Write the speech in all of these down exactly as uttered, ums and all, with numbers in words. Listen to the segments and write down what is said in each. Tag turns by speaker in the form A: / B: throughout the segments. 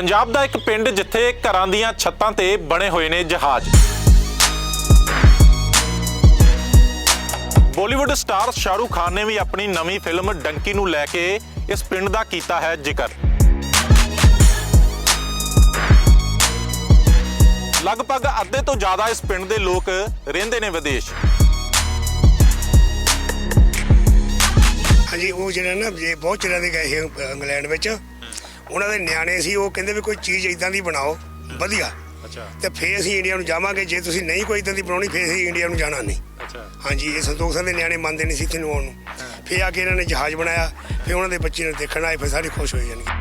A: पंजाब दा एक पिंड जिथे घरां दीयां छत्तां ते बने हुए ने जहाज। बॉलीवुड स्टार शाहरुख खान ने भी अपनी नवी फिल्म डंकी नूं लैके इस पिंड दा कीता है जिक्र। लगभग अद्धे तो ज़्यादा इस पिंड दे लोग रहिंदे ने विदेश।
B: हाँ जी, वो जो ना जे बहुत चिर के गए इंग्लैंड में, उन्होंने नियाने सी वो कहते भी कोई चीज़ इदां दी बनाओ वधिया। अच्छा। तो फिर असीं इंडिया नूं जावांगे, जे तुसीं नहीं कोई इदां दी बनाउणी फिर असीं इंडिया नूं जाना नहीं। अच्छा। हाँ जी, ये संतोख सिंह दे नियाने मनदे नहीं सी इत्थे नूं आउण नूं। फिर आके इन्होंने जहाज बनाया, फिर उन्होंने बच्चे नूं देखण आए, फिर सारे खुश होए जाने।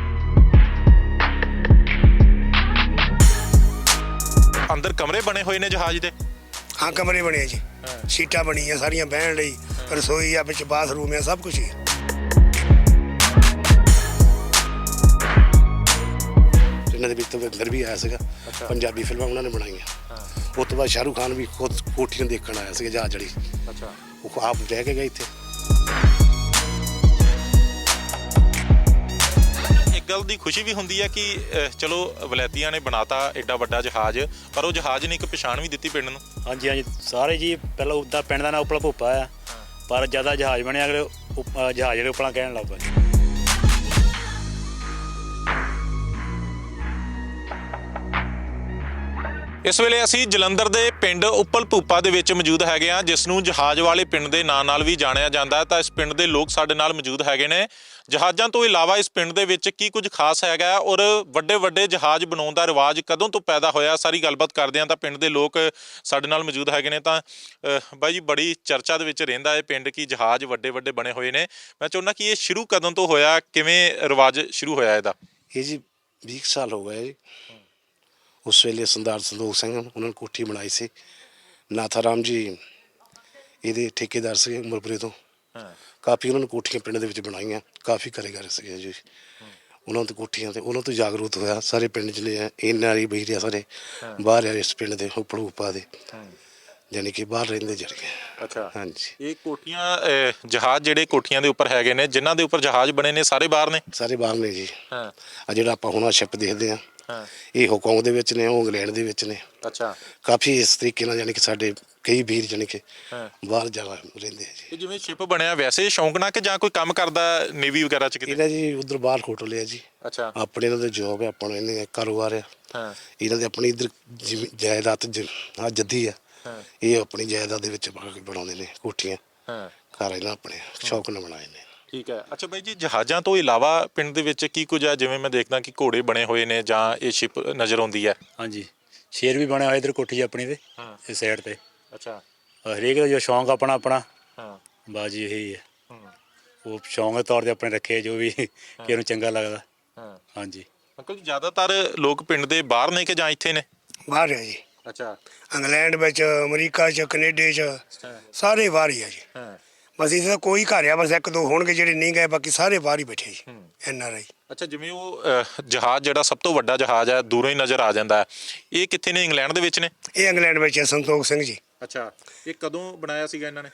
A: अंदर कमरे बने हुए ने जहाज दे?
B: हाँ, कमरे बने जी, सीटां बणीआं सारियां बहण लई, रसोई आ, विच बाथरूम है, सब कुछ ही है।
C: ਇਹਨਾਂ ਦੇ ਵਿੱਚ ਤਵਿੰਦਰ ਵੀ ਆਇਆ ਸੀਗਾ। ਪੰਜਾਬੀ ਫਿਲਮਾਂ ਉਹਨਾਂ ਨੇ ਬਣਾਈਆਂ। ਉਸ ਤੋਂ ਬਾਅਦ ਸ਼ਾਹਰੁਖ ਖਾਨ ਵੀ ਖੁਦ ਕੋਠੀਆਂ ਦੇਖਣ ਆਇਆ ਸੀਗਾ ਜਹਾਜ਼ ਜਿਹੜੀ। ਅੱਛਾ। ਉਹ ਆਪ ਰਹਿ ਕੇ ਗਏ ਇੱਥੇ।
A: ਇੱਕ ਗੱਲ ਦੀ ਖੁਸ਼ੀ ਵੀ ਹੁੰਦੀ ਹੈ ਕਿ ਚਲੋ ਵਲੈਤੀਆਂ ਨੇ ਬਣਾਤਾ ਐਡਾ ਵੱਡਾ ਜਹਾਜ਼, ਪਰ ਉਹ ਜਹਾਜ਼ ਨੇ ਇੱਕ ਪਛਾਣ ਵੀ ਦਿੱਤੀ ਪਿੰਡ ਨੂੰ।
D: ਹਾਂਜੀ ਹਾਂਜੀ, ਸਾਰੇ ਜੀ ਪਹਿਲਾਂ ਉੱਦਾਂ ਪਿੰਡ ਦਾ ਨਾਂ ਉਪਲਾ ਭੁੱਪਾ ਆ, ਪਰ ਜ਼ਿਆਦਾ ਜਹਾਜ਼ ਬਣਿਆ ਅਗਲੇ ਜਹਾਜ਼ ਜਿਹੜੇ ਉਪਲਾ ਕਹਿਣ ਲੱਗ ਪਏ।
A: इस वेले असी जलंधर के पिंड उप्पल भूपा दे विच मौजूद हैगे आ, जिस नूं जहाज वाले पिंड के नाम नाल भी जानिया जाता है। तो इस पिंड के लोग साडे नाल मौजूद हैगे ने। जहाज़ों तो इलावा इस पिंड दे विच की कुछ खास हैगा और वड्डे वड्डे जहाज बनाउण दा रिवाज कदों तो पैदा होया, सारी गलबात करदे हां। तां पिंड के लोग साडे नाल मौजूद हैगे ने। तां बाई जी, बड़ी चर्चा दे विच रहिंदा है पिंड की जहाज वड्डे वड्डे बने हुए ने। मैं चाहुंदा कि ये शुरू कदों तो होया, किवें रिवाज शुरू होया इहदा?
C: ਇਹ ਜੀ बीस साल हो गए जी। उस वेले सरदार संतोख सिंह उन्होंने कोठी बनाई सी। नाथा राम जी ये ठेकेदार से उमरपुरे तो काफ़ी उन्होंने कोठियां पिंड दे विच बनाईयां, काफ़ी कारीगर से जी। उन्होंने तो कोठियां तो उन्होंने तो जागरूक होया सारे पिंड जिन्ने इन नारी बही रहा सारे बाहर आ इस पिंड के उप्पड़ उपा दे, यानी कि बाहर रहिंदे जरिए। अच्छा। हाँ जी,
A: ये कोठियां जहाज जिहड़े कोठियां दे उपर हैगे ने, जिन्हां दे उपर जहाज बने ने, सारे बाहर ने?
C: सारे बाहर ने जी। हाँ, जिहड़ा आपां हुण शिप देखदे हां, ये हांगकांग दे विच ने, इंग्लैंड दे विच ने। अच्छा। काफ़ी इस तरीके नाल यानी कि साडे कई वीर जानी कि बाहर जाना रहिंदे जी।
A: जिवें शिप बनया वैसे शौक ना कि जां कोई काम करदा नेवी वगैरह च किते?
C: इन्हां जी उधर बाहर होटल है जी। अच्छा। अपने इन्हां दा जॉब है, अपना इन्हां कारोबार है। हाँ। इन्हां दे अपनी इधर जायदाद हाँ जद्दी है। हाँ। ये अपनी जायदाद दे विच बनाउंदे ने कोठियां। हाँ। घर इन्हां अपने शौक नाल बनाए ने।
A: ठीक है। अच्छा भाई जी, जहाज़ों तो इलावा पिंड दे विच की कुछ है? जिवें मैं देखदा कि घोड़े बने हुए ने जां ये शिप नज़र आउंदी है?
D: हाँ जी, शेर भी बनया इधर कोठी अपनी ते इस साइड ते। अच्छा। हरेक का जो शौक अपना अपना बाजी यही है, वो शौक के तौर पर अपने रखे जो भी कि चंगा लगता। हाँ जी।
A: अंकल जी, ज़्यादातर लोग पिंड दे बाहर ने कि जां इत्थे ने?
B: बाहर है जी। अच्छा। इंग्लैंड में, अमरीका च, कनेडे च, सारे बाहर ही है जी। बस इस कोई घर आ, बस एक दो होणगे ਜਿਹੜੇ नहीं गए, बाकी सारे बाहर ही बैठे जी एन आर आई।
A: अच्छा, जिवें ਉਹ जहाज ਜਿਹੜਾ ਸਭ ਤੋਂ ਵੱਡਾ ਜਹਾਜ਼ ਹੈ ਦੂਰੋਂ ਹੀ ਨਜ਼ਰ ਆ ਜਾਂਦਾ ਹੈ, ਇਹ ਕਿੱਥੇ ਨੇ? ਇੰਗਲੈਂਡ ਦੇ ਵਿੱਚ ਨੇ?
B: ਇਹ ਇੰਗਲੈਂਡ ਵਿੱਚ ਹੈ, ਸੰਤੋਖ ਸਿੰਘ ਜੀ।
A: ਅੱਛਾ। ਇਹ ਕਦੋਂ ਬਣਾਇਆ ਸੀਗਾ ਇਹਨਾਂ ਨੇ?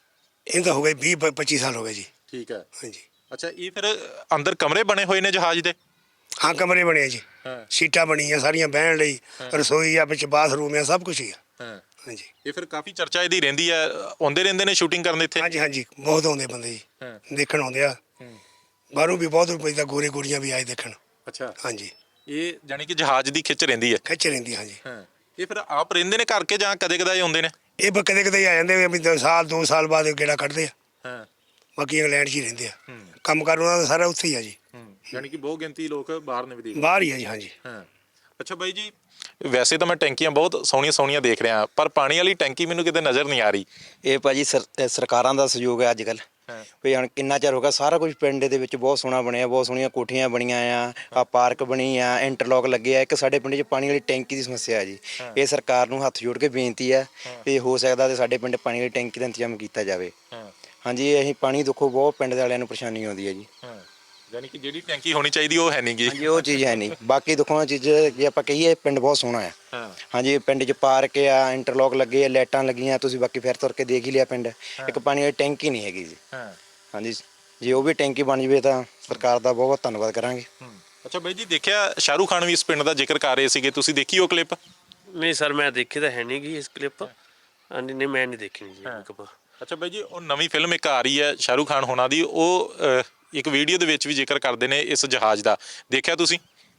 B: ਇਹ ਤਾਂ ਹੋ ਗਏ ਵੀਹ ਪੱਚੀ ਸਾਲ ਹੋ ਗਏ ਜੀ।
A: ਠੀਕ ਹੈ।
B: ਹਾਂਜੀ।
A: ਅੱਛਾ, ਇਹ ਫਿਰ ਅੰਦਰ ਕਮਰੇ ਬਣੇ ਹੋਏ ਨੇ ਜਹਾਜ਼ ਦੇ?
B: ਹਾਂ, ਕਮਰੇ ਬਣੇ ਜੀ, ਸੀਟਾਂ ਬਣੀਆਂ ਸਾਰੀਆਂ ਬਹਿਣ ਲਈ, ਰਸੋਈ ਆ, ਵਿੱਚ ਬਾਥਰੂਮ ਆ, ਸਭ ਕੁਝ ਹੀ ਆ। ਹਾਂਜੀ।
A: ਇਹ ਫਿਰ ਕਾਫੀ ਚਰਚਾ ਇਹਦੀ ਰਹਿੰਦੀ ਹੈ, ਆਉਂਦੇ ਰਹਿੰਦੇ ਨੇ ਸ਼ੂਟਿੰਗ ਕਰਨ ਇੱਥੇ?
B: ਹਾਂਜੀ ਹਾਂਜੀ, ਬਹੁਤ ਆਉਂਦੇ ਬੰਦੇ ਜੀ ਦੇਖਣ ਆਉਂਦੇ ਆ, ਬਾਹਰੋਂ ਵੀ ਬਹੁਤ ਰੁਪਏ ਦਾ ਗੋਰੇ ਗੋਰੀਆਂ ਵੀ ਆਏ ਦੇਖਣ। ਅੱਛਾ। ਹਾਂਜੀ। ਇਹ
A: ਜਾਨੀ ਕਿ ਜਹਾਜ਼ ਦੀ ਖਿੱਚ ਰਹਿੰਦੀ ਹੈ?
B: ਖਿੱਚ ਰਹਿੰਦੀ, ਹਾਂਜੀ।
A: ਇਹ ਫਿਰ ਆਪ ਰਹਿੰਦੇ ਨੇ ਘਰ ਕੇ ਜਾਂ ਕਦੇ ਕਦੇ ਆਉਂਦੇ ਨੇ?
B: ਇਹ ਕਦੇ ਕਦੇ ਆ ਜਾਂਦੇ ਵੀ ਸਾਲ ਦੋ ਸਾਲ ਬਾਅਦ ਗੇੜਾ ਕੱਢਦੇ ਆ। ਬਾਕੀ ਇੰਗਲੈਂਡ 'ਚ ਹੀ ਰਹਿੰਦੇ ਆ, ਕੰਮ ਕਾਰ ਉਹਨਾਂ ਦਾ ਸਾਰਾ ਉੱਥੇ ਹੀ ਆ ਜੀ।
A: ਯਾਨੀ ਕਿ ਬਹੁਤ ਗਿਣਤੀ ਲੋਕ ਬਾਹਰ ਨੇ ਵਿਦੇਸ਼?
B: ਬਾਹਰ ਹੀ ਆ ਜੀ। ਹਾਂਜੀ।
A: ਅੱਛਾ ਬਾਈ ਜੀ, ਵੈਸੇ ਤਾਂ ਮੈਂ ਟੈਂਕੀਆਂ ਬਹੁਤ ਸੋਹਣੀਆਂ ਸੋਹਣੀਆਂ ਦੇਖ ਰਿਹਾ, ਪਰ ਪਾਣੀ ਵਾਲੀ ਟੈਂਕੀ ਮੈਨੂੰ ਕਿਤੇ ਨਜ਼ਰ ਨਹੀਂ ਆ ਰਹੀ।
E: ਇਹ ਭਾਜੀ ਸਰ ਸਰਕਾਰਾਂ ਦਾ ਸਹਿਯੋਗ ਹੈ ਅੱਜ ਕੱਲ੍ਹ। ਵੀ ਹੁਣ ਕਿੰਨਾ ਚਿਰ ਹੋ ਗਿਆ, ਸਾਰਾ ਕੁਝ ਪਿੰਡ ਦੇ ਵਿੱਚ ਬਹੁਤ ਸੋਹਣਾ ਬਣਿਆ, ਬਹੁਤ ਸੋਹਣੀਆਂ ਕੋਠੀਆਂ ਬਣੀਆਂ ਆ, ਆ ਪਾਰਕ ਬਣੀ ਆ, ਇੰਟਰਲੋਕ ਲੱਗੇ ਆ। ਇੱਕ ਸਾਡੇ ਪਿੰਡ 'ਚ ਪਾਣੀ ਵਾਲੀ ਟੈਂਕੀ ਦੀ ਸਮੱਸਿਆ ਹੈ ਜੀ। ਇਹ ਸਰਕਾਰ ਨੂੰ ਹੱਥ ਜੋੜ ਕੇ ਬੇਨਤੀ ਹੈ ਵੀ ਹੋ ਸਕਦਾ ਤੇ ਸਾਡੇ ਪਿੰਡ ਪਾਣੀ ਵਾਲੀ ਟੈਂਕੀ ਦਾ ਇੰਤਜ਼ਾਮ ਕੀਤਾ ਜਾਵੇ। ਹਾਂਜੀ, ਅਸੀਂ ਪਾਣੀ ਦੇਖੋ ਬਹੁਤ ਪਿੰਡ ਦੇ ਵਾਲਿਆਂ ਨੂੰ ਪਰੇਸ਼ਾਨੀ ਆਉਂਦੀ ਹੈ ਜੀ।
A: ਯਾਨੀ ਕਿ ਜਿਹੜੀ ਟੈਂਕੀ ਹੋਣੀ ਚਾਹੀਦੀ ਉਹ ਹੈ ਨਹੀਂ ਗੀ।
E: ਹਾਂਜੀ, ਉਹ ਚੀਜ਼ ਹੈ ਨਹੀਂ। ਬਾਕੀ ਦੇਖੋ ਚੀਜ਼ ਜੇ ਆਪਾਂ ਕਹੀਏ ਪਿੰਡ ਬਹੁਤ ਸੋਹਣਾ ਆ। ਹਾਂਜੀ, ਪਿੰਡ 'ਚ ਪਾਰਕ ਆ, ਇੰਟਰਲੋਕ ਲੱਗੇ ਆ, ਲਾਈਟਾਂ ਲੱਗੀਆਂ, ਤੁਸੀਂ ਬਾਕੀ ਫਿਰ ਤੁਰ ਕੇ ਦੇਖ ਹੀ ਲਿਆ ਪਿੰਡ। ਇੱਕ ਪਾਣੀ ਵਾਲੀ ਟੈਂਕੀ ਨਹੀਂ ਹੈਗੀ ਜੀ। ਹਾਂਜੀ, ਜੇ ਉਹ ਵੀ ਟੈਂਕੀ ਬਣ ਜਾਵੇ ਤਾਂ ਸਰਕਾਰ ਦਾ ਬਹੁਤ ਬਹੁਤ ਧੰਨਵਾਦ ਕਰਾਂਗੇ।
A: ਅੱਛਾ ਬਾਈ ਜੀ, ਦੇਖਿਆ ਸ਼ਾਹਰੁਖ ਖਾਨ ਵੀ ਇਸ ਪਿੰਡ ਦਾ ਜ਼ਿਕਰ ਕਰ ਰਹੇ ਸੀਗੇ, ਤੁਸੀਂ ਦੇਖੀ ਉਹ ਕਲਿੱਪ?
F: ਨਹੀਂ ਸਰ, ਮੈਂ ਦੇਖੀ ਤਾਂ ਹੈ ਨਹੀਂ ਗੀ ਇਸ ਕਲਿੱਪ। ਹਾਂਜੀ, ਨਹੀਂ ਮੈਂ ਨਹੀਂ ਦੇਖੀ ਜੀ ਕਲਿੱਪ।
A: ਅੱਛਾ ਬਾਈ ਜੀ, ਉਹ ਨਵੀਂ ਫਿਲਮ ਇੱਕ ਆ ਰਹੀ ਹੈ ਸ਼ਾਹਰੁਖ ਖਾਨ ਹੋਣਾ ਦੀ, ਉਹ ਅਹ, ਇੱਕ ਵੀਡੀਓ ਦੇ ਵਿੱਚ ਵੀ ਜ਼ਿਕਰ ਕਰਦੇ ਨੇ ਇਸ ਜਹਾਜ਼ ਦਾ, ਦੇਖਿਆ ਤੁਸੀਂ?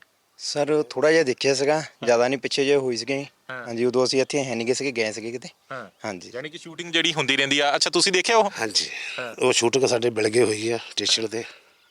E: ਸਰ ਥੋੜਾ ਜਿਹਾ ਦੇਖਿਆ ਸੀਗਾ, ਜ਼ਿਆਦਾ ਨਹੀਂ, ਪਿੱਛੇ ਜੇ ਹੋਈ ਸੀਗੀ। ਹਾਂਜੀ, ਉਦੋਂ ਅਸੀਂ ਇੱਥੇ ਹੈ ਨਹੀਂ ਗਏ ਸੀਗੇ, ਗਏ ਸੀਗੇ ਕਿਤੇ। ਹਾਂਜੀ,
A: ਯਾਨੀ ਕਿ ਸ਼ੂਟਿੰਗ ਜਿਹੜੀ ਹੁੰਦੀ ਰਹਿੰਦੀ ਆ। ਅੱਛਾ, ਤੁਸੀਂ ਦੇਖਿਆ ਉਹ?
C: ਹਾਂਜੀ, ਉਹ ਸ਼ੂਟਿੰਗ ਸਾਡੇ ਬਿਲਗੇ ਹੋਈ ਆ ਸਟੇਸ਼ਨ ਤੇ।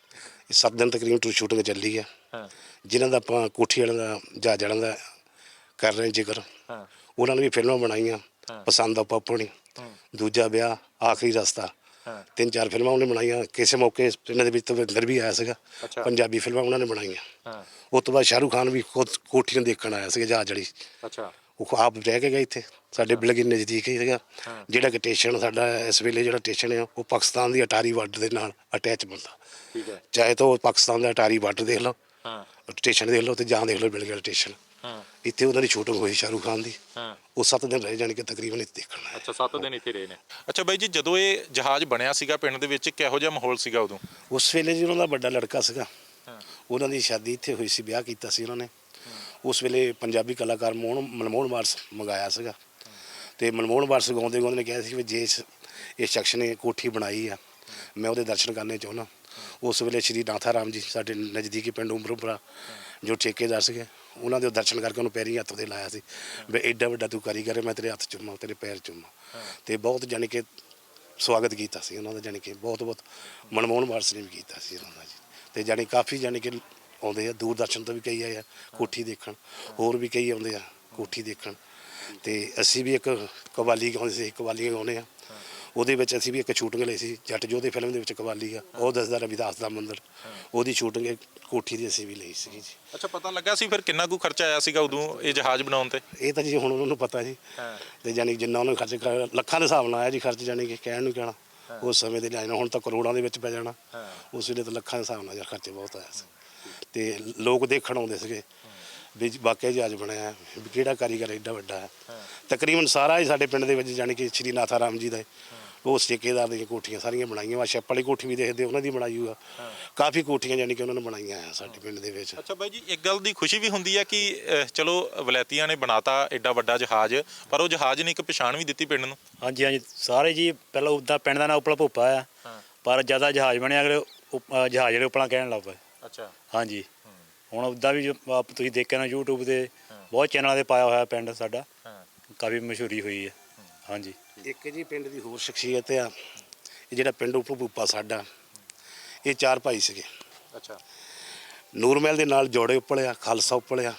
C: ਇਹ ਸੱਤ ਦਿਨ ਤਕਰੀਬਨ ਟੂ ਸ਼ੂਟਿੰਗ ਚੱਲੀ ਆ, ਜਿਨ੍ਹਾਂ ਦਾ ਆਪਾਂ ਕੋਠੀ ਵਾਲਿਆਂ ਦਾ ਜਹਾਜ਼ ਵਾਲਿਆਂ ਦਾ ਕਰ ਰਹੇ ਜ਼ਿਕਰ। ਉਹਨਾਂ ਨੇ ਵੀ ਫਿਲਮਾਂ ਬਣਾਈਆਂ, ਪਸੰਦ ਆ ਪਾਪਣੀ, ਦੂਜਾ ਵਿਆਹ, ਆਖਰੀ ਰਸਤਾ, ਤਿੰਨ ਚਾਰ ਫਿਲਮਾਂ ਉਹਨੇ ਬਣਾਈਆਂ। ਕਿਸੇ ਮੌਕੇ ਇਹਨਾਂ ਦੇ ਵਿੱਚ ਤਵਿੰਦਰ ਵੀ ਆਇਆ ਸੀਗਾ, ਪੰਜਾਬੀ ਫਿਲਮਾਂ ਉਹਨਾਂ ਨੇ ਬਣਾਈਆਂ। ਉਸ ਤੋਂ ਬਾਅਦ ਸ਼ਾਹਰੁਖ ਖਾਨ ਵੀ ਖੁਦ ਕੋਠੀ ਨੂੰ ਦੇਖਣ ਆਇਆ ਸੀਗਾ ਜਹਾਜ਼ ਵਾਲੀ।
A: ਅੱਛਾ,
C: ਉਹ ਆਪ ਰਹਿ ਕੇ ਗਏ ਇੱਥੇ ਸਾਡੇ ਬਿਲਗੇ ਨਜ਼ਦੀਕ ਹੀ ਸੀਗਾ। ਜਿਹੜਾ ਕਿ ਸਟੇਸ਼ਨ ਸਾਡਾ ਇਸ ਵੇਲੇ ਜਿਹੜਾ ਸਟੇਸ਼ਨ ਆ ਉਹ ਪਾਕਿਸਤਾਨ ਦੀ ਅਟਾਰੀ ਬਾਰਡਰ ਦੇ ਨਾਲ ਅਟੈਚ ਬੰਦਾ।
A: ਠੀਕ ਹੈ।
C: ਚਾਹੇ ਤਾਂ ਉਹ ਪਾਕਿਸਤਾਨ ਦਾ ਅਟਾਰੀ ਬਾਰਡਰ ਦੇਖ ਲਓ, ਸਟੇਸ਼ਨ ਦੇਖ ਲਓ, ਤੇ ਜਾਂ ਦੇਖ ਲਓ ਬਿਲਗੇ ਸਟੇਸ਼ਨ। ਇੱਥੇ ਉਹਨਾਂ ਦੀ ਸ਼ੂਟਿੰਗ ਹੋਈ ਸ਼ਾਹਰੁਖ ਖਾਨ ਦੀ। ਉਹ ਸੱਤ ਦਿਨ ਰਹੇ, ਜਾਣੀ ਕਿ ਤਕਰੀਬਨ ਇੱਥੇ ਦੇਖਣਾ।
A: ਅੱਛਾ, ਸੱਤ ਦਿਨ ਇੱਥੇ ਰਹੇ ਨੇ। ਅੱਛਾ ਬਾਈ ਜੀ, ਜਦੋਂ ਇਹ ਜਹਾਜ਼ ਬਣਿਆ ਸੀਗਾ ਪਿੰਡ ਦੇ ਵਿੱਚ, ਕਿਹੋ ਜਿਹਾ ਮਾਹੌਲ ਸੀਗਾ ਉਦੋਂ?
C: ਉਸ ਵੇਲੇ ਜੀ ਉਹਨਾਂ ਦਾ ਵੱਡਾ ਲੜਕਾ ਸੀਗਾ, ਉਹਨਾਂ ਦੀ ਸ਼ਾਦੀ ਇੱਥੇ ਹੋਈ ਸੀ, ਵਿਆਹ ਕੀਤਾ ਸੀ ਉਹਨਾਂ ਨੇ। ਉਸ ਵੇਲੇ ਪੰਜਾਬੀ ਕਲਾਕਾਰ ਮੋਹਨ ਮਨਮੋਹਨ ਵਾਰਸ ਮੰਗਾਇਆ ਸੀਗਾ, ਤੇ ਮਨਮੋਹਨ ਵਾਰਸ ਗਾਉਂਦੇ ਗਾਉਂਦੇ ਨੇ ਕਿਹਾ ਸੀ ਵੀ ਜੇ ਇਸ ਇਸ ਸ਼ਖਸ ਨੇ ਕੋਠੀ ਬਣਾਈ ਆ, ਮੈਂ ਉਹਦੇ ਦਰਸ਼ਨ ਕਰਨੇ ਚਾਹੁੰਦਾ। ਉਸ ਵੇਲੇ ਸ਼੍ਰੀ ਨਾਥਾ ਰਾਮ ਜੀ ਸਾਡੇ ਨਜ਼ਦੀਕੀ ਪਿੰਡ ਉਮਰਪੁਰਾ ਜੋ ਠੇਕੇਦਾਰ ਸੀਗੇ, ਉਹਨਾਂ ਦੇ ਦਰਸ਼ਨ ਕਰਕੇ ਉਹਨੂੰ ਪੈਰੀਂ ਹੱਥ ਤੇ ਲਾਇਆ ਸੀ ਵੀ ਐਡਾ ਵੱਡਾ ਤੂੰ ਕਾਰੀਗਰ ਹੈ, ਮੈਂ ਤੇਰੇ ਹੱਥ ਚੁੰਮਾਂ, ਤੇਰੇ ਪੈਰ ਚੁੰਮਾਂ। ਤੇ ਬਹੁਤ ਜਾਣੀ ਕਿ ਸਵਾਗਤ ਕੀਤਾ ਸੀ ਉਹਨਾਂ ਦਾ, ਜਾਣੀ ਕਿ ਬਹੁਤ ਬਹੁਤ ਮਨਮੋਹਨ ਵਾਰਸ ਨੇ ਵੀ ਕੀਤਾ ਸੀ ਉਹਨਾਂ ਦਾ ਜੀ। ਤੇ ਜਾਣੀ ਕਾਫੀ ਜਾਣੀ ਕਿ ਆਉਂਦੇ ਆ, ਦੂਰਦਰਸ਼ਨ ਤੋਂ ਵੀ ਕਈ ਆਏ ਆ ਕੋਠੀ ਦੇਖਣ, ਹੋਰ ਵੀ ਕਈ ਆਉਂਦੇ ਆ ਕੋਠੀ ਦੇਖਣ। ਤੇ ਅਸੀਂ ਵੀ ਇੱਕ ਕਵਾਲੀ ਗਾਉਂਦੇ ਸੀ, ਕਵਾਲੀਆਂ ਗਾਉਂਦੇ ਆ, ਉਹਦੇ ਵਿੱਚ ਅਸੀਂ ਵੀ ਇੱਕ ਸ਼ੂਟਿੰਗ ਲਈ ਸੀ ਜੱਟ ਜੋਧੇ ਫਿਲਮ ਦੇ ਵਿੱਚ ਕਵਾਲੀ ਆ, ਉਹ ਦੱਸਦਾ ਰਵਿਦਾਸ ਦਾ ਮੰਦਰ, ਉਹਦੀ ਸ਼ੂਟਿੰਗ ਕੋਠੀ ਦੀ ਅਸੀਂ ਵੀ ਲਈ ਸੀਗੀ ਜੀ।
A: ਅੱਛਾ, ਪਤਾ ਲੱਗਾ ਸੀ ਫਿਰ ਕਿੰਨਾ ਕੁ ਖਰਚਾ ਆਇਆ ਸੀਗਾ ਉਦੋਂ ਇਹ ਜਹਾਜ਼ ਬਣਾਉਣ ਤੇ?
C: ਇਹ ਤਾਂ ਜੀ ਹੁਣ ਉਹਨਾਂ ਨੂੰ ਪਤਾ ਜੀ, ਤੇ ਜਾਣੀ ਜਿੰਨਾ ਉਹਨਾਂ ਨੇ ਖਰਚ ਕਰ ਲੱਖਾਂ ਦੇ ਹਿਸਾਬ ਨਾਲ ਆਇਆ ਜੀ ਖਰਚ, ਜਾਣੀ ਕਿ ਕਹਿਣ ਨੂੰ ਕਹਿਣਾ। ਉਸ ਸਮੇਂ ਦੇ ਲਿਆਏ ਹੁਣ ਤਾਂ ਕਰੋੜਾਂ ਦੇ ਵਿੱਚ ਪੈ ਜਾਣਾ, ਉਸ ਵੇਲੇ ਤਾਂ ਲੱਖਾਂ ਦੇ ਹਿਸਾਬ ਨਾਲ ਖਰਚੇ ਬਹੁਤ ਆਇਆ ਸੀ। ਤੇ ਲੋਕ ਦੇਖਣ ਆਉਂਦੇ ਸੀਗੇ ਵੀ ਵਾਕਿਆ ਜਹਾਜ਼ ਬਣਿਆ, ਵੀ ਕਿਹੜਾ ਕਾਰੀਗਰ ਐਡਾ ਵੱਡਾ ਹੈ। ਤਕਰੀਬਨ ਸਾਰਾ ਹੀ ਸਾਡੇ ਪਿੰਡ ਦੇ ਵਿੱਚ ਜਾਣੀ ਕਿ ਸ਼੍ਰੀ ਨਾਥਾ ਰਾਮ ਜੀ ਦਾ ਉਹ ਠੇਕੇਦਾਰ ਦੀਆਂ ਕੋਠੀਆਂ ਸਾਰੀਆਂ ਬਣਾਈਆਂ ਵਾ। ਛੱਪ ਵਾਲੀ ਕੋਠੀ ਵੀ ਦੇਖਦੇ ਉਹਨਾਂ ਦੀ ਬਣਾਈ ਹੋਈ ਆ, ਕਾਫੀ ਕੋਠੀਆਂ ਜਾਣੀ ਕਿ ਉਹਨਾਂ ਨੇ ਬਣਾਈਆਂ ਆ ਸਾਡੇ ਪਿੰਡ ਦੇ ਵਿੱਚ।
A: ਅੱਛਾ ਬਾਈ ਜੀ, ਇੱਕ ਗੱਲ ਦੀ ਖੁਸ਼ੀ ਵੀ ਹੁੰਦੀ ਹੈ ਕਿ ਅਹ, ਚਲੋ ਵਲੈਤੀਆਂ ਨੇ ਬਣਾਤਾ ਐਡਾ ਵੱਡਾ ਜਹਾਜ਼, ਪਰ ਉਹ ਜਹਾਜ਼ ਨੇ ਇੱਕ ਪਛਾਣ ਵੀ ਦਿੱਤੀ ਪਿੰਡ ਨੂੰ।
D: ਹਾਂਜੀ ਹਾਂਜੀ, ਸਾਰੇ ਜੀ ਪਹਿਲਾਂ ਉੱਦਾਂ ਪਿੰਡ ਦਾ ਨਾਂ ਉਪਲਾ ਭੁੱਪਾ ਆ, ਪਰ ਜ਼ਿਆਦਾ ਜਹਾਜ਼ ਬਣਿਆ ਅਗਲੇ ਉਪ- ਅਹ ਜਹਾਜ਼ ਜਿਹੜੇ ਉਪਲਾ ਕਹਿਣ ਲੱਗ ਪਏ।
A: ਅੱਛਾ,
D: ਹਾਂਜੀ, ਹੁਣ ਉੱਦਾਂ ਵੀ ਜੋ ਆਪ ਤੁਸੀਂ ਦੇਖਿਆ ਨਾ ਯੂਟਿਊਬ ਤੇ ਬਹੁਤ ਚੈਨਲਾਂ ਤੇ ਪਾਇਆ ਹੋਇਆ ਪਿੰਡ ਸਾਡਾ, ਕਾਫੀ ਮਸ਼ਹੂਰੀ ਹੋਈ ਹੈ। ਹਾਂਜੀ,
C: ਇੱਕ ਜੀ ਪਿੰਡ ਦੀ ਹੋਰ ਸ਼ਖਸੀਅਤ ਆ, ਇਹ ਜਿਹੜਾ ਪਿੰਡ ਉੱਪਰ ਭੂਪਾ ਸਾਡਾ, ਇਹ ਚਾਰ ਭਾਈ ਸੀਗੇ।
A: ਅੱਛਾ,
C: ਨੂਰਮਹਿਲ ਦੇ ਨਾਲ ਜੋੜੇ ਉੱਪਲਿਆ, ਖਾਲਸਾ ਉੱਪਲਿਆ,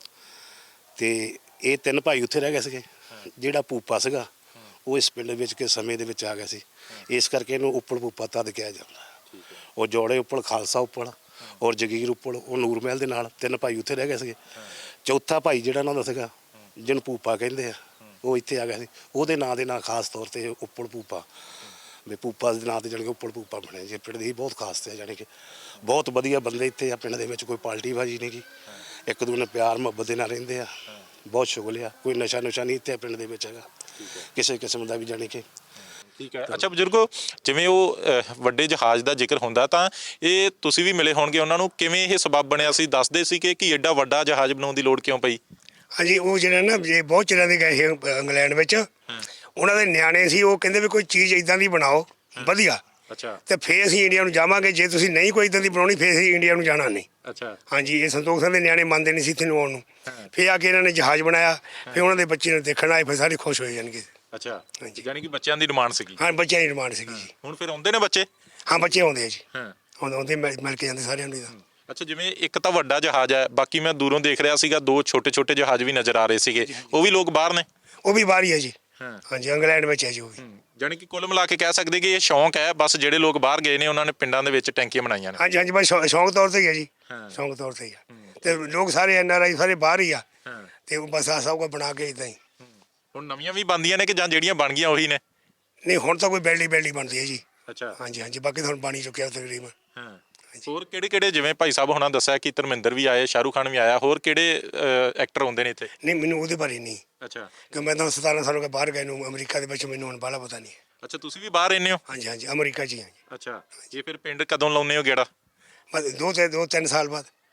C: ਤੇ ਇਹ ਤਿੰਨ ਭਾਈ ਉੱਥੇ ਰਹਿ ਗਏ ਸੀਗੇ। ਜਿਹੜਾ ਭੂਪਾ ਸੀਗਾ ਉਹ ਇਸ ਪਿੰਡ ਵਿੱਚ ਕੇ ਸਮੇਂ ਦੇ ਵਿੱਚ ਆ ਗਿਆ ਸੀ, ਇਸ ਕਰਕੇ ਇਹਨੂੰ ਉੱਪਲ ਭੂਪਾ ਤਦ ਕਿਹਾ ਜਾਂਦਾ। ਉਹ ਜੋੜੇ ਉੱਪਲ, ਖਾਲਸਾ ਉੱਪਲ ਔਰ ਜਗੀਰ ਉੱਪਲ, ਉਹ ਨੂਰਮਹਿਲ ਦੇ ਨਾਲ ਤਿੰਨ ਭਾਈ ਉੱਥੇ ਰਹਿ ਗਏ ਸੀਗੇ। ਚੌਥਾ ਭਾਈ ਜਿਹੜਾ ਉਹਨਾਂ ਦਾ ਸੀਗਾ, ਜਿਹਨੂੰ ਭੂਪਾ ਕਹਿੰਦੇ ਆ, ਉਹ ਇੱਥੇ ਆ ਗਿਆ ਸੀ। ਉਹਦੇ ਨਾਂ ਦੇ ਨਾਂ ਖਾਸ ਤੌਰ ਤੇ ਉੱਪਲ ਭੂਪਾ, ਵੀ ਭੂਪਾ ਦੇ ਨਾਂ ਤੇ ਜਾਣੀ ਕਿ ਉੱਪਲ ਭੂਪਾ ਬਣਿਆ ਜੀ। ਪਿੰਡ ਦੀ ਬਹੁਤ ਖਾਸ ਤੇ ਜਾਣੀ ਕਿ ਬਹੁਤ ਵਧੀਆ ਬੰਦੇ ਇੱਥੇ ਆ ਪਿੰਡ ਦੇ ਵਿੱਚ, ਕੋਈ ਪਾਲਟੀ ਬਾਜੀ ਨਹੀਂ ਗੀ, ਇੱਕ ਦੂਜੇ ਨਾਲ ਪਿਆਰ ਮੁਹੱਬਤ ਦੇ ਨਾਲ ਰਹਿੰਦੇ ਆ, ਬਹੁਤ ਸ਼ੁਗਲ ਆ। ਕੋਈ ਨਸ਼ਾ ਨੁਸ਼ਾ ਨਹੀਂ ਇੱਥੇ ਪਿੰਡ ਦੇ ਵਿੱਚ ਹੈਗਾ ਕਿਸੇ ਕਿਸਮ ਦਾ ਵੀ, ਜਾਣੀ ਕਿ।
A: ਠੀਕ ਹੈ। ਅੱਛਾ ਬਜ਼ੁਰਗੋ, ਜਿਵੇਂ ਉਹ ਅਹ, ਵੱਡੇ ਜਹਾਜ਼ ਦਾ ਜ਼ਿਕਰ ਹੁੰਦਾ ਤਾਂ ਇਹ ਤੁਸੀਂ ਵੀ ਮਿਲੇ ਹੋਣਗੇ ਉਹਨਾਂ ਨੂੰ, ਕਿਵੇਂ ਇਹ ਸਬਬ ਬਣਿਆ ਸੀ? ਦੱਸਦੇ ਸੀ ਕਿ ਕਿ ਐਡਾ ਵੱਡਾ ਜਹਾਜ਼ ਬਣਾਉਣ ਦੀ ਲੋੜ ਕਿਉਂ ਪਈ?
B: ਹਾਂਜੀ, ਉਹ ਜਿਹੜਾ ਨਾ ਜੇ ਬਹੁਤ ਚਿਰਾਂ ਦੇ ਗਏ ਸੀ ਅ, ਇੰਗਲੈਂਡ ਵਿੱਚ, ਉਹਨਾਂ ਦੇ ਨਿਆਣੇ ਸੀ, ਉਹ ਕਹਿੰਦੇ ਵੀ ਕੋਈ ਚੀਜ਼ ਇਦਾਂ ਦੀ ਬਣਾਓ ਵਧੀਆ,
A: ਅੱਛਾ,
B: ਤੇ ਫੇਰ ਅਸੀਂ ਇੰਡੀਆ ਨੂੰ ਜਾਵਾਂਗੇ। ਜੇ ਤੁਸੀਂ ਨਹੀਂ ਕੋਈ ਇਦਾਂ ਦੀ ਬਣਾਉਣੀ, ਫੇਰ ਅਸੀਂ ਇੰਡੀਆ ਨੂੰ ਜਾਣਾ ਨਹੀਂ।
A: ਅੱਛਾ,
B: ਹਾਂਜੀ, ਇਹ ਸੰਤੋਖ ਸਿੰਘ ਦੇ ਨਿਆਣੇ ਮੰਨਦੇ ਨਹੀਂ ਸੀ ਇੱਥੇ ਨੂੰ ਆਉਣ ਨੂੰ। ਫੇਰ ਆ ਕੇ ਇਹਨਾਂ ਨੇ ਜਹਾਜ਼ ਬਣਾਇਆ, ਫੇਰ ਉਹਨਾਂ ਦੇ ਬੱਚੇ ਨੂੰ ਦੇਖਣ ਆਏ, ਫਿਰ ਸਾਰੇ ਖੁਸ਼ ਹੋਏ ਜਾਣਗੇ।
A: ਅੱਛਾ,
B: ਹਾਂਜੀ।
A: ਯਾਨੀ ਕਿ ਬੱਚਿਆਂ ਦੀ ਡਿਮਾਂਡ ਸੀਗੀ।
B: ਹਾਂ, ਬੱਚਿਆਂ ਦੀ ਡਿਮਾਂਡ ਸੀਗੀ ਜੀ।
A: ਹੁਣ ਫਿਰ ਆਉਂਦੇ ਨੇ ਬੱਚੇ?
B: ਹਾਂ, ਬੱਚੇ ਆਉਂਦੇ ਆ ਜੀ,
A: ਹਾਂ,
B: ਆਉਂਦੇ ਆਉਂਦੇ ਮਿਲ ਮਿਲ ਕੇ ਜਾਂਦੇ ਸਾਰਿਆਂ ਨੂੰ।
A: ਅੱਛਾ, ਜਿਵੇਂ ਇੱਕ ਤਾਂ ਵੱਡਾ ਜਹਾਜ਼ ਹੈ, ਬਾਕੀ ਮੈਂ ਦੂਰੋਂ ਦੇਖ ਰਿਹਾ ਸੀਗਾ ਦੋ ਛੋਟੇ ਛੋਟੇ ਜਹਾਜ਼ ਵੀ ਨਜ਼ਰ ਆ ਰਹੇ ਸੀਗੇ, ਉਹ ਵੀ ਲੋਕ ਬਾਹਰ ਨੇ?
B: ਉਹ ਵੀ ਬਾਹਰ ਹੀ ਹੈ ਜੀ।
A: ਹਾਂ,
B: ਹਾਂਜੀ, ਇੰਗਲੈਂਡ ਵਿੱਚ ਹੈ ਜੀ ਉਹ ਵੀ।
A: ਜਾਣੀ ਕਿ ਕੁੱਲ ਮਿਲਾ ਕੇ ਕਹਿ ਸਕਦੇ ਕਿ ਇਹ ਸ਼ੌਂਕ ਹੈ, ਬਸ ਜਿਹੜੇ ਲੋਕ ਬਾਹਰ ਗਏ ਨੇ ਉਹਨਾਂ ਨੇ ਪਿੰਡਾਂ ਦੇ ਵਿੱਚ ਟੈਂਕੀਆਂ ਬਣਾਈਆਂ ਨੇ।
B: ਹਾਂਜੀ ਹਾਂਜੀ, ਬਸ ਸ਼ੌ- ਸ਼ੌਂਕ ਤੌਰ ਤੇ ਹੀ ਹੈ ਜੀ, ਸ਼ੌਂਕ ਤੌਰ ਤੇ ਹੀ ਆ। ਤੇ ਲੋਕ ਸਾਰੇ ਐਨ ਆਰ ਆਈ ਸਾਰੇ ਬਾਹਰ ਹੀ ਆ, ਤੇ ਉਹ ਬਸ ਆ ਸਭ ਕੁਝ ਬਣਾ ਕੇ ਇਦਾਂ ਹੀ।
A: ਹੁਣ ਨਵੀਆਂ ਵੀ ਬਣਦੀਆਂ ਨੇ ਕਿ ਜਾਂ ਜਿਹੜੀਆਂ ਬਣ ਗਈਆਂ ਉਹੀ ਨੇ?
B: ਨਹੀਂ, ਹੁਣ ਤਾਂ ਕੋਈ ਬਿਲਡਿੰਗ ਬਿਲਡਿੰਗ ਬਣਦੀ ਹੈ ਜੀ।
A: ਅੱਛਾ,
B: ਹਾਂਜੀ ਹਾਂਜੀ, ਬਾਕੀ ਤਾਂ ਹੁਣ ਬਣੀ ਚੁੱਕਿਆ ਤਕਰੀਬਨ।
A: ਹਾਂ। ਹੋਰ ਕਿਹੜੇ ਕਿਹੜੇ, ਜਿਵੇਂ ਭਾਈ ਸਾਹਿਬ ਹੁਣਾਂ ਦੱਸਿਆ ਕਿ ਧਰਮਿੰਦਰ ਵੀ ਆਏ, ਸ਼ਾਹਰੁਖ ਖਾਨ ਵੀ ਆਇਆ, ਹੋਰ ਕਿਹੜੇ ਐਕਟਰ ਆਉਂਦੇ ਨੇ ਇੱਥੇ?
B: ਨਹੀਂ, ਮੈਨੂੰ ਉਹਦੇ ਬਾਰੇ ਨਹੀਂ,
A: ਅੱਛਾ,
B: ਕਿ ਮੈਂ ਤਾਂ ਸਤਾਰਾਂ ਸਾਲ ਹੋ ਗਏ ਬਾਹਰ ਗਏ ਨੂੰ ਅਮਰੀਕਾ ਦੇ ਵਿੱਚ, ਮੈਨੂੰ ਹੁਣ ਬਾਹਲਾ ਪਤਾ ਨਹੀਂ।
A: ਅੱਛਾ, ਤੁਸੀਂ ਵੀ ਬਾਹਰ ਰਹਿੰਦੇ ਹੋ?
B: ਹਾਂਜੀ ਹਾਂਜੀ, ਅਮਰੀਕਾ 'ਚ ਹੀ ਹਾਂ ਜੀ।
A: ਅੱਛਾ, ਇਹ ਫਿਰ ਪਿੰਡ ਕਦੋਂ ਲਾਉਂਦੇ ਹੋ ਗੇੜਾ?
B: ਬਸ ਦੋ ਤੇ ਦੋ ਤਿੰਨ ਸਾਲ ਬਾਅਦ।
A: ਹਾਂ,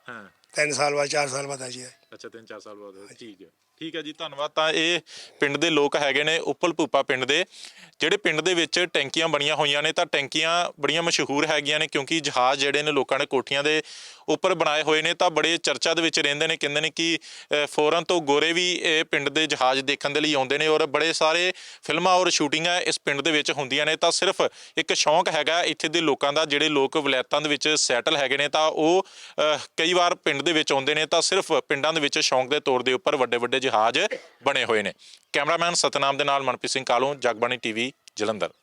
B: ਤਿੰਨ ਸਾਲ ਬਾਅਦ ਚਾਰ ਸਾਲ ਬਾਅਦ ਆ ਜੀ
A: ਅੱਛਾ ਤਿੰਨ ਚਾਰ ਸਾਲ ਬਾਅਦ ਠੀਕ ਹੈ ਠੀਕ ਹੈ ਜੀ ਧੰਨਵਾਦ। ਤਾਂ ਇਹ ਪਿੰਡ ਦੇ ਲੋਕ ਹੈਗੇ ਨੇ ਉੱਪਲ ਭੂਪਾ ਪਿੰਡ ਦੇ, ਜਿਹੜੇ ਪਿੰਡ ਦੇ ਵਿੱਚ ਟੈਂਕੀਆਂ ਬਣੀਆਂ ਹੋਈਆਂ ਨੇ। ਤਾਂ ਟੈਂਕੀਆਂ ਬੜੀਆਂ ਮਸ਼ਹੂਰ ਹੈਗੀਆਂ ਨੇ ਕਿਉਂਕਿ ਜਹਾਜ਼ ਜਿਹੜੇ ਨੇ ਲੋਕਾਂ ਨੇ ਕੋਠੀਆਂ ਦੇ ਉੱਪਰ ਬਣਾਏ ਹੋਏ ਨੇ, ਤਾਂ ਬੜੇ ਚਰਚਾ ਦੇ ਵਿੱਚ ਰਹਿੰਦੇ ਨੇ। ਕਹਿੰਦੇ ਨੇ ਕਿ ਫੋਰਨ ਤੋਂ ਗੋਰੇ ਵੀ ਇਹ ਪਿੰਡ ਦੇ ਜਹਾਜ਼ ਦੇਖਣ ਦੇ ਲਈ ਆਉਂਦੇ ਨੇ ਔਰ ਬੜੇ ਸਾਰੇ ਫਿਲਮਾਂ ਔਰ ਸ਼ੂਟਿੰਗਾਂ ਇਸ ਪਿੰਡ ਦੇ ਵਿੱਚ ਹੁੰਦੀਆਂ ਨੇ। ਤਾਂ ਸਿਰਫ ਇੱਕ ਸ਼ੌਂਕ ਹੈਗਾ ਇੱਥੇ ਦੇ ਲੋਕਾਂ ਦਾ, ਜਿਹੜੇ ਲੋਕ ਵਲਾਇਤਾਂ ਦੇ ਵਿੱਚ ਸੈਟਲ ਹੈਗੇ ਨੇ ਤਾਂ ਉਹ ਕਈ ਵਾਰ ਪਿੰਡ ਦੇ ਵਿੱਚ ਆਉਂਦੇ ਨੇ ਤਾਂ ਸਿਰਫ ਪਿੰਡਾਂ ਦੇ ਵਿੱਚ ਸ਼ੌਂਕ ਦੇ ਤੌਰ ਦੇ ਉੱਪਰ ਵੱਡੇ ਵੱਡੇ ਜਹਾਜ਼ ਬਣੇ ਹੋਏ ਨੇ। ਕੈਮਰਾਮੈਨ ਸਤਨਾਮ ਦੇ ਨਾਲ ਮਨਪ੍ਰੀਤ ਸਿੰਘ ਕਾਲੋਂ, ਜਗਬਾਣੀ ਟੀਵੀ, ਜਲੰਧਰ।